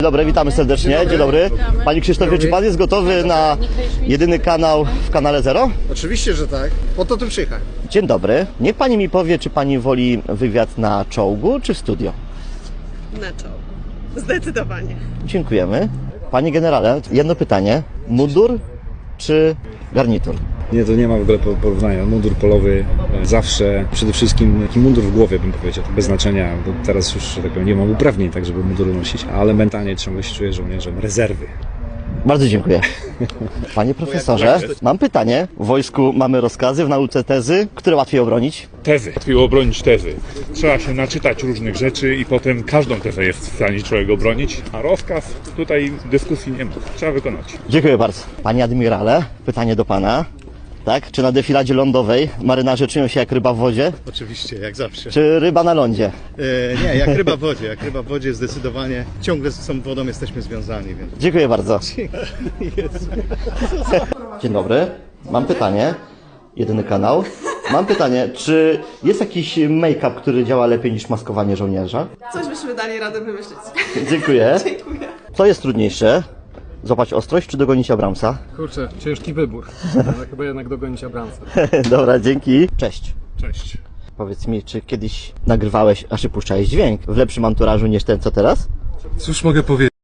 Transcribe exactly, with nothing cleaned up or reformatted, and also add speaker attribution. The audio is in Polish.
Speaker 1: Dzień dobry, witamy serdecznie. Dzień dobry. Panie Krzysztofie, czy pan jest gotowy na jedyny kanał w kanale Zero?
Speaker 2: Oczywiście, że tak. Po to tu przyjechałem.
Speaker 1: Dzień dobry. Niech pani mi powie, czy pani woli wywiad na czołgu, czy w studio?
Speaker 3: Na czoło. Zdecydowanie.
Speaker 1: Dziękujemy. Panie generale, jedno pytanie. Mundur czy garnitur?
Speaker 4: Nie, to nie ma w ogóle porównania. Mundur polowy e, zawsze, przede wszystkim taki mundur w głowie, bym powiedział, bez znaczenia, bo teraz już, że tak powiem, nie mam uprawnień tak, żeby mundury nosić, ale mentalnie ciągle się czuję żołnierzem rezerwy.
Speaker 1: Bardzo dziękuję. Panie profesorze, mam pytanie. W wojsku mamy rozkazy, w nauce tezy. Które łatwiej obronić?
Speaker 5: Tezy. Łatwiej obronić tezy. Trzeba się naczytać różnych rzeczy i potem każdą tezę jest w stanie człowiek obronić, a rozkaz tutaj dyskusji nie ma. Trzeba wykonać.
Speaker 1: Dziękuję bardzo. Panie admirale, pytanie do pana. Tak? Czy na defiladzie lądowej marynarze czują się jak ryba w wodzie,
Speaker 2: Oczywiście, jak zawsze.
Speaker 1: czy ryba na lądzie?
Speaker 2: E, nie, jak ryba w wodzie. Jak ryba w wodzie zdecydowanie ciągle z tą wodą jesteśmy związani, więc...
Speaker 1: Dziękuję bardzo. Dzień dobry. Mam pytanie. Jedyny kanał. Mam pytanie, czy jest jakiś make-up, który działa lepiej niż maskowanie żołnierza?
Speaker 3: Coś byśmy dali radę wymyślić.
Speaker 1: Dziękuję.
Speaker 3: Dziękuję.
Speaker 1: Co jest trudniejsze? Złapać ostrość czy dogonić Abramsa?
Speaker 6: Kurczę, ciężki wybór. Ale chyba jednak dogonić Abramsa.
Speaker 1: Dobra, dzięki. Cześć.
Speaker 5: Cześć.
Speaker 1: Powiedz mi, czy kiedyś nagrywałeś, a czy puszczałeś dźwięk w lepszym anturażu niż ten, co teraz?
Speaker 7: Cóż mogę powiedzieć?